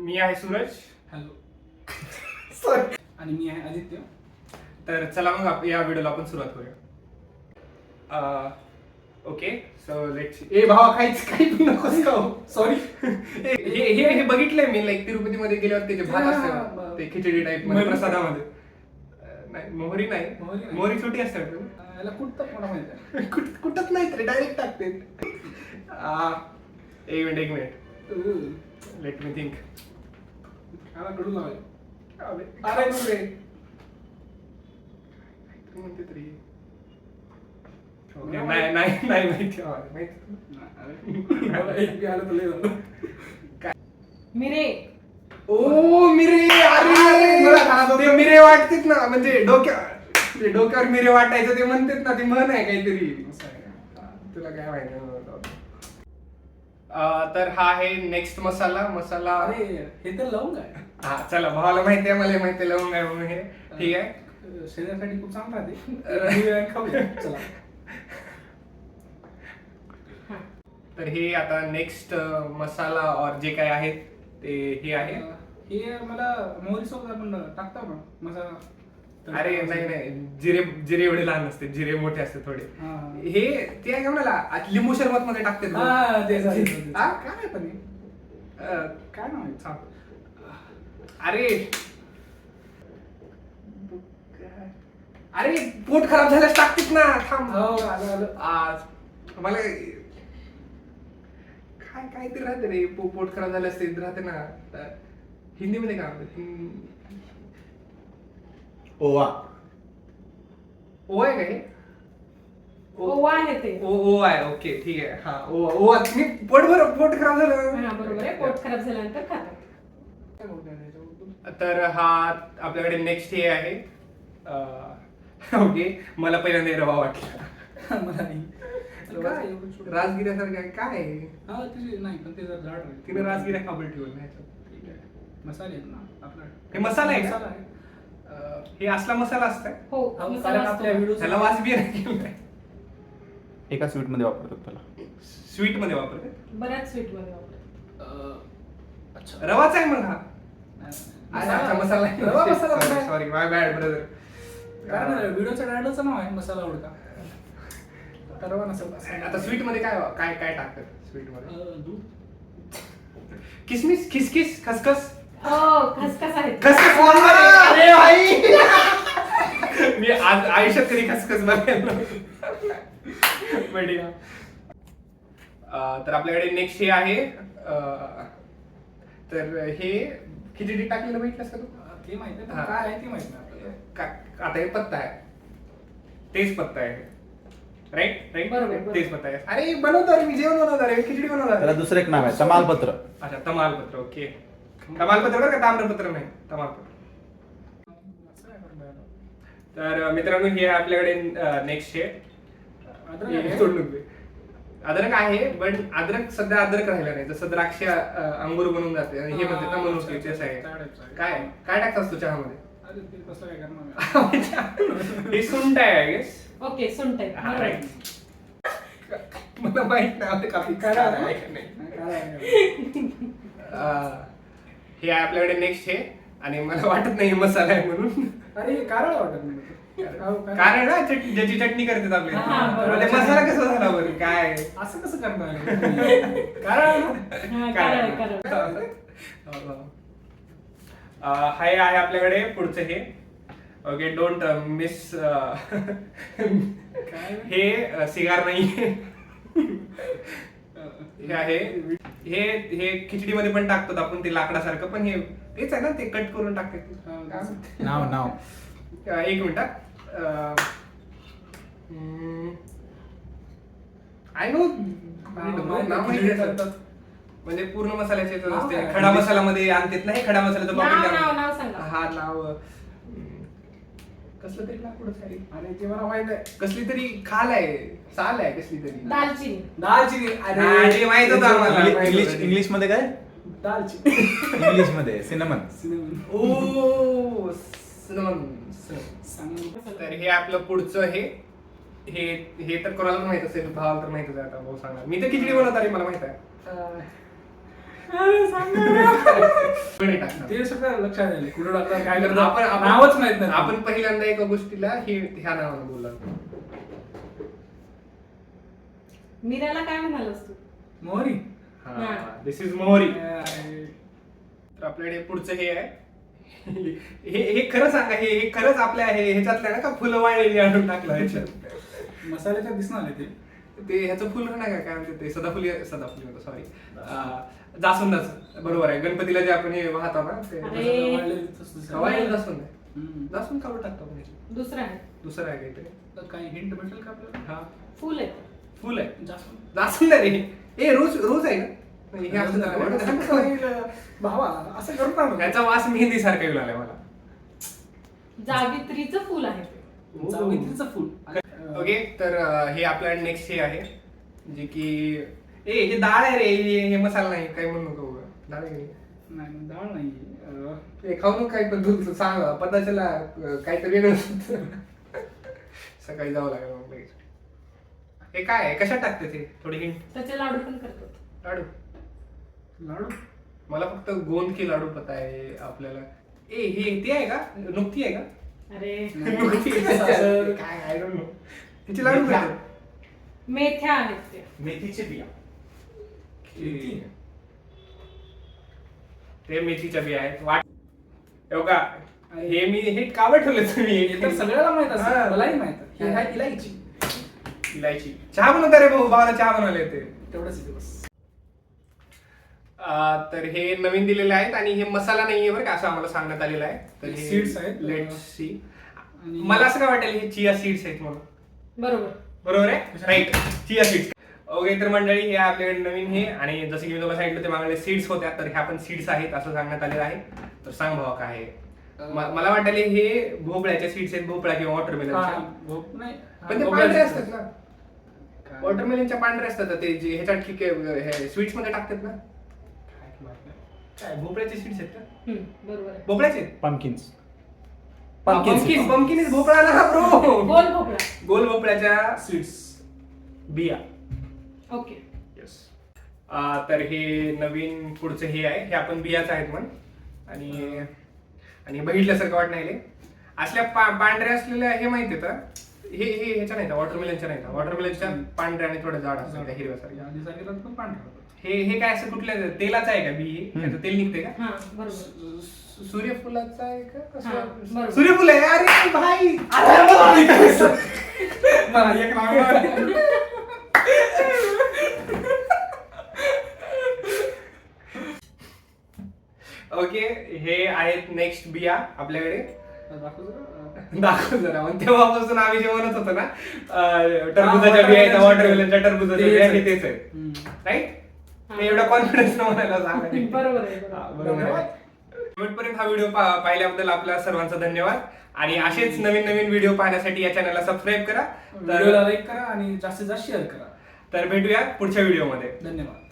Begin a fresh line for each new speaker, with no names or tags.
मी आहे Suraj.
Hello.
Sorry.
आणि मी आहे आदित्य.
तर चला मग या व्हिडिओला आपण सुरुवात करूया. Okay so let's. ए भावा काही नकोस का? सॉरी. हे बघितलंय मी, लाईक तिरुपतीमध्ये गेल्यावर त्याचे भात असतात ते खिचडी टाईप मध्ये प्रसादामध्ये. नाही मोहरी नाही, मोहरी छोटी असतात.
याला कुठं मला माहिती आहे.
कुठंच नाही रे, डायरेक्ट टाकते. एक मिनिट लेट मी थिंक.
याला कडू लावाय.
अरे रे म्हणते तरी. नाही माहिती.
मिरे.
ओ मिरे. अरे मिरे वाटतेत ना, म्हणजे डोक्यावर मिरे वाटायचं ते म्हणतात ना, ते म्हण आहे काहीतरी. तुला काय माहिती. तर हा आहे नेक्स्ट मसाला.
अरे हे तर लवंग आहे.
हा चला, भावाला माहिती आहे, मला माहिती आहे लवंग आहे म्हणून. हे ठीक आहे,
शरीरासाठी खूप चांगलं राहते. खाऊया चला.
तर हे आता नेक्स्ट मसाला और जे काय आहे ते हे आहे.
हे मला मोहरी सोबत आपण टाकतो ना मसाला.
अरे नाही, जिरे एवढे लहान असते, जिरे मोठे असते थोडे.
हा.
हे ते आहे का मला लिंबू सरबत मध्ये टाकते.
काय पण काय नाव आहे?
सांग. अरे पोट खराब झाल्यास टाकतेत ना. थांब. आज मला काहीतरी राहते रे, पोट खराब झाल्यास ते राहते ना. हिंदीमध्ये काय म्हणतात?
ओवा.
ओ आहे का हे?
ओवा आहे ते.
ओ आहे. ओके ठीक आहे. हा ओवा. मी पोट खराब झालं.
हा बरोबर आहे, पोट खराब झाल्यानंतर खातात.
तर हा आपल्याकडे नेक्स्ट हे आहे. ओके, मला पहिल्यांदा रवा वाटला.
मला नाही. काय एवढं छोटं?
राजगिऱ्यासारखं आहे काय?
हा तिची नाही, पण ते जरा जाड आहे.
तिने राजगिऱ्या खाबळ ठेवून नाही.
ठीक आहे. मसाले आहेत ना आपला.
हे मसाला आहे का?
मसाला आहे.
हे असला मसाला असताय.
हो,
कारण
मसाला
आपल्या
असतो.
व्हिडिओ
त्याला वास बी नाही.
एका स्वीट मध्ये वापरतात त्याला.
स्वीट मध्ये वापरते.
बऱ्याच स्वीट मध्ये वापरतात.
अच्छा.
रवाच आहे मग हा.
मसाला.
मसाला
रवा मसाला पण आहे.
Sorry my bad brother.
कारण व्हिडिओच्या टायटलचं नाव आहे मसाला उडका. रवा नसेल.
आता स्वीट मध्ये काय काय टाकतात स्वीट मध्ये?
दूध.
किसमिस, खिसखिस, खसखस.
हो, खसखस आहे.
खसखस बोलणार. अरे भाई, मी आज आयुष्यात कधी खसखस बघायला. बढिया. तर आपल्याकडे नेक्स्ट हे आहे. तर हे खिचडी टाकलेलं बघितलंस का तू?
ते माहिती आहे, पण
हा.
काय आहे ते माहित नाही आपल्याला.
आता हे पत्ता आहे, तेच पत्ता आहे. राईट
बरोबर.
तेच पत्ता आहे. अरे बनवतो मी, जेवण बनवणार आहे, खिचडी बनवणार
त्याला
आहे.
दुसरं एक नाव आहे तमालपत्र.
अच्छा तमालपत्र. ओके, तमालपत्र बरं का, ताम्रपत्र नाही, तमालपत्र. तर मित्रांनो हे आपल्याकडे नेक्स्ट आहे. अद्रक आहे, पण अद्रक सध्या अद्रक राहिला नाही. जसं द्राक्ष अंगूर बनवून जाते आणि हे म्हणते तमलुकी, तेच आहे. काय काय टाकतास तू चहामध्ये?
अरे ते कसं काय करणार?
हे सुंठ आहे आय गेस.
ओके, सुंठ आहे.
हा,
बरोबर.
right. मला माहित नाही काफी
काय
काय
आहे?
आहे का नाही.
काय आहे?
हे आहे आपल्याकडे नेक्स्ट हे, आणि मला वाटत नाही हे मसाला आहे म्हणून.
अरे हे कारळ वाटत नाही.
कारण ना ज्याची चटणी करतात आपले,
हा, बरोबर.
ते मसाला कसा झाला बरं काय?
असं कसं करणार? कारळ
हा, कारळ आहे, कारळ.
हाय आहे आपल्याकडे पुढचं हे. Okay, don't miss. हे सिगार नाही. हे आहे, हे खिचडीमध्ये पण टाकतात आपण, ते लाकडासारखं, पण हे तेच आहे ना, ते कट करून टाकतात.
नाव
एक मिनिट. आय नो म्हणजे पूर्ण मसाल्याचे असते. खडा मसाला मध्ये आणतात ना, हे खडा मसाल्याचं
नाव सांगा.
हा नाव कसलं तरी लाकूडच आहे.
अरे ते मला माहित आहे.
कसली तरी खाल आहे, साल आहे कसली तरी.
दालचिनी.
दालचिनी.
अरे माहित होतं आम्हाला.
इंग्लिश मध्ये काय?
दालचिनी.
इंग्लिश मध्ये सिनेमन.
ओ सिनेमन. तर हे आपलं पुढचं हे तर कोणाला माहित असेल, भावाला तर माहितच आहे. आता भाऊ सांगणार. मी तर खिचडी बनवत आहे, मला माहित आहे.
अरे सांगा.
कोणी टाकणार?
ते सगळं लक्षात आले कुठं टाकतात काय
आपण
करतात
आपण-
नावच माहित नाही
आपण पहिल्यांदा एका गोष्टीला ह्या नावानं बोललो.
मीराला काय म्हणालस तू?
मोहरी.
हा.
दिस इज मोहरी.
अरे,
तर आपल्याकडे पुढचं हे आहे. हे खरं सांगा, हे खरंच आपल्या ह्याच्यातलं ना का फुलं वाळलेली आणून टाकलं ह्याच्यात.
मसाल्याच्या दिसणार आहे
ते ह्याचं फुल नाही का, काय म्हणते ते सदाफुली सॉरी जास्वंदाचं. बरोबर आहे, गणपतीला जे आपण हे वाहतो ना ते
अरे.
वाळलेलं जास्वंद आहे. जास्वंद काढून टाकतो आपण ह्याच्यात.
दुसरं आहे.
दुसरं आहे काहीतरी.
काही हिंट भेटेल का आपल्याला?
हा
फुल आहे.
फुल आहे.
जास्वंद.
जास्वंद आहे रे. ए रोज रोज आहे ना. नाही, हे असं
भावा असं करू नका.
ह्याचा वास मेहंदी सारखा येऊ लागलाय मला.
जावित्रीचं फुल आहे ते.
जावित्रीचं फूल.
ओके, तर हे आपल्या नेक्स्ट हे आहे जे की हे डाळ आहे रे. हे मसाला नाही, काही म्हणू नको उगा. डाळ आहे.
नाही नाही, डाळ नाही.
हे खाऊ नको काही, पण तू सांग पदाच्याला काहीतरी वेगळं सकाळी जावं लागेल मग लगेच. हे काय आहे, कशात टाकते ते? थोडी हिंट.
त्याचे लाडू पण करतो.
लाडू.
लाडू.
मला फक्त गोंद की लाडू पता आहे आपल्याला. हे ते आहे का, नुकती आहे का?
अरे
नुकती काय आय डोंट नो. ह्याचे लाडू काय?
मेथ्या आहेत ते.
मेथीचे बिया.
ते मेथीच्या बिया आहेत. हो का, हे मी हे कावर ठेवले तुम्ही?
हे तर सगळ्याला माहित
हा.
असतं. मलाही माहित आहे. हे आहे इलायची.
इलायची. चहा बनवता रे भाऊ, बाबाला चहा बनवायला येते.
तेवढंच येते बस.
तर हे नवीन दिलेले आहेत आणि हे मसाला नाहीये बरं का, असं आम्हाला सांगण्यात आलेलं आहे. तर
हे
हे
seeds आहेत.
Let's see.
आणि-
मला असं काय वाटेल हे चिया सीड्स आहेत म्हणून.
बरोबर.
बरोबर आहे, राईट. Chia seeds. ओके, तर मंडळी हे आपल्याकडे नवीन हे, आणि जसं की मी तुम्हाला सांगितलं ते मागले सीड्स होत्या, तर ह्या पण सीड्स आहेत असं सांगण्यात आलेलं आहे. तर सांग भावा काय आहे. मला वाटले हे भोपळ्याच्या सीड्स आहेत, भोपळा किंवा वॉटरमेलनच्या.
भोप नाही.
पण ते पांढरे असतात ना, वॉटरमेलनच्या पांढरे असतात ते जे ह्याच्यात स्वीट्स मध्ये टाकतात ना. काय भोपळ्याचे सीड्स आहेत का?
बरोबर आहे.
भोपळ्याचे
पंकिन्स.
पंकिन इज भोपळा ना ब्रो.
गोल भोपळा.
गोल भोपळ्याच्या
सीड्स.
बिया.
ओके.
येस. तर हे नवीन पुढचं हे आहे, हे आपण बियाच आहेत म्हण. आणि बघितल्यासारखं वाटत नाही. असल्या पांढऱ्या असलेल्या हे माहिती का, हे ह्याच्या नाही, वॉटरमेलनच्या नाही. वॉटरमेलनच्या पांढऱ्या आणि थोड्या जाड असतात हिरव्यासारख्या.
आधी सांगितलं पण पांढरा.
हे काय असं कुठल्या तेलाचं आहे का बी? त्याचं तेल निघते का?
हा बरोबर.
सूर्यफुलाचं आहे का?
हा, बरोबर.
सूर्यफुल आहे. अरे भाई,
मला एक नाव.
ओके, हे आहेत नेक्स्ट बिया आपल्याकडे.
दाखव जरा.
दाखव जरा. मग तेव्हापासून आम्ही जे म्हणत होतो ना, टरबुजाच्या बिया आहेत, वॉटरमेलनच्या टरबुजाच्या बिया आहे, तेच आहे. राईट. ते एवढा कॉन्फिडन्स न म्हणायला सांगा.
बरोबर आहे.
बरोबर आहे. शेवटपर्यंत हा व्हिडिओ पाहिल्याबद्दल आपल्या सर्वांचा धन्यवाद. आणि असेच नवीन नवीन व्हिडिओ पाहण्यासाठी या चॅनलला सबस्क्राईब करा.
व्हिडिओला लाईक करा आणि जास्तीत जास्त शेअर करा.
तर भेटूया पुढच्या व्हिडिओमध्ये.
धन्यवाद.